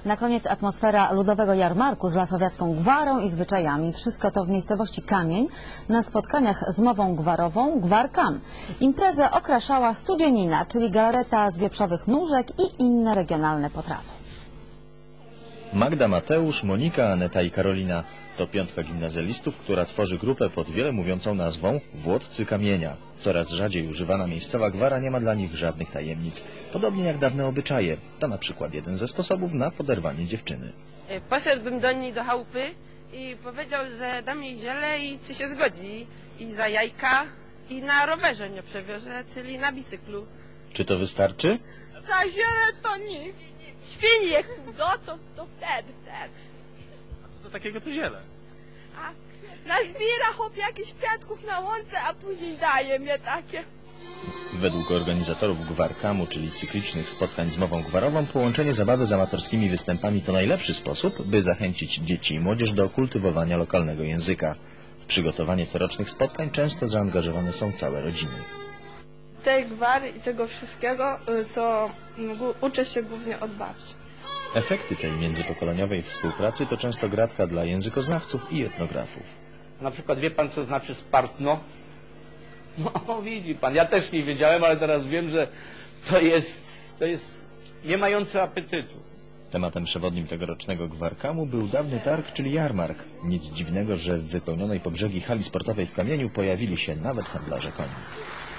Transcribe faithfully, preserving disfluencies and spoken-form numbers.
Na koniec atmosfera ludowego jarmarku z lasowiacką gwarą i zwyczajami. Wszystko to w miejscowości Kamień na spotkaniach z mową gwarową Gwar Kam. Imprezę okraszała studzienina, czyli galareta z wieprzowych nóżek i inne regionalne potrawy. Magda, Mateusz, Monika, Aneta i Karolina to piątka gimnazjalistów, która tworzy grupę pod wiele mówiącą nazwą Włodcy Kamienia. Coraz rzadziej używana miejscowa gwara nie ma dla nich żadnych tajemnic. Podobnie jak dawne obyczaje. To na przykład jeden ze sposobów na poderwanie dziewczyny. Poszedłbym do niej do chałupy i powiedział, że dam jej ziele i czy się zgodzi. I za jajka i na rowerze mnie przewiozę, czyli na bicyklu. Czy to wystarczy? Za ziele to nie. Świnie, no to, to wtedy, wtedy. A co to takiego to ziele? A nazbiera chłop jakichś kwiatków na łące, a później daje mnie takie. Według organizatorów Gwar Kamu, czyli cyklicznych spotkań z mową gwarową, połączenie zabawy z amatorskimi występami to najlepszy sposób, by zachęcić dzieci i młodzież do kultywowania lokalnego języka. W przygotowanie corocznych spotkań często zaangażowane są całe rodziny. Tej gwary i tego wszystkiego to uczę się głównie od babci. Efekty tej międzypokoleniowej współpracy to często gratka dla językoznawców i etnografów. Na przykład wie pan, co znaczy spartno? No widzi pan, ja też nie wiedziałem, ale teraz wiem, że to jest, to jest nie mające apetytu. Tematem przewodnim tegorocznego Gwar Kamu był dawny targ, czyli jarmark. Nic dziwnego, że w wypełnionej po brzegi hali sportowej w Kamieniu pojawili się nawet handlarze koni.